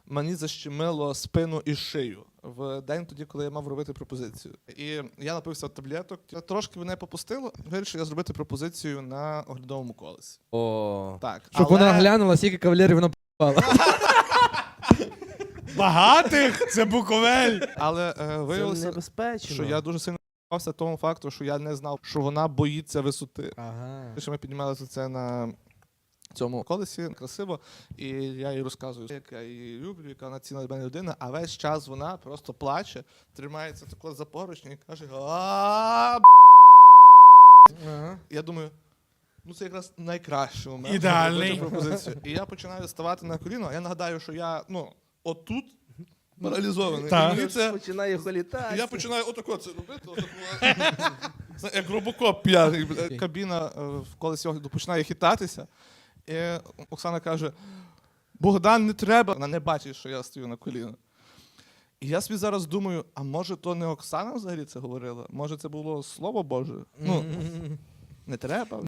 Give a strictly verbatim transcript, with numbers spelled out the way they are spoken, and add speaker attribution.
Speaker 1: мені защемило спину і шию в день тоді, коли я мав робити пропозицію. І я напився таблеток, трошки мене попустило, вирішив я зробити пропозицію на оглядовому колесі.
Speaker 2: О.
Speaker 1: Так,
Speaker 2: Щоб
Speaker 1: але...
Speaker 2: вона глянула, скільки кавалерів вона п***ала.
Speaker 3: Багатих? Це Буковель.
Speaker 1: Але е,
Speaker 4: Це
Speaker 1: виявилося,
Speaker 4: небезпечно.
Speaker 1: що я дуже сильно п***ався тому факту, що я не знав, що вона боїться висоти.
Speaker 2: Ага.
Speaker 1: Що ми піднімалися це на цьому колесі, красиво, і я їй розказую, як я її люблю, яка вона цінна для мене людина, а весь час вона просто плаче, тримається тако за поручні і каже: а
Speaker 2: Ага.
Speaker 1: Я думаю, ну це якраз найкращий момент.
Speaker 3: Ідеальний.
Speaker 1: зробити пропозицію. І я починаю ставати на коліно, а я нагадаю, що я, ну, отут паралізований.
Speaker 3: Так.
Speaker 1: І мені це...
Speaker 4: Починає холітати.
Speaker 1: І я починаю отако це робити, отако. Це як робокоп п'яний. бля. Кабіна е, в колесі огляду починає хитатися. І Оксана каже: Богдан, не треба. Вона не бачить, що я стою на коліно. І я собі зараз думаю, а може то не Оксана взагалі це говорила? Може це було Слово Боже? Ну, не треба.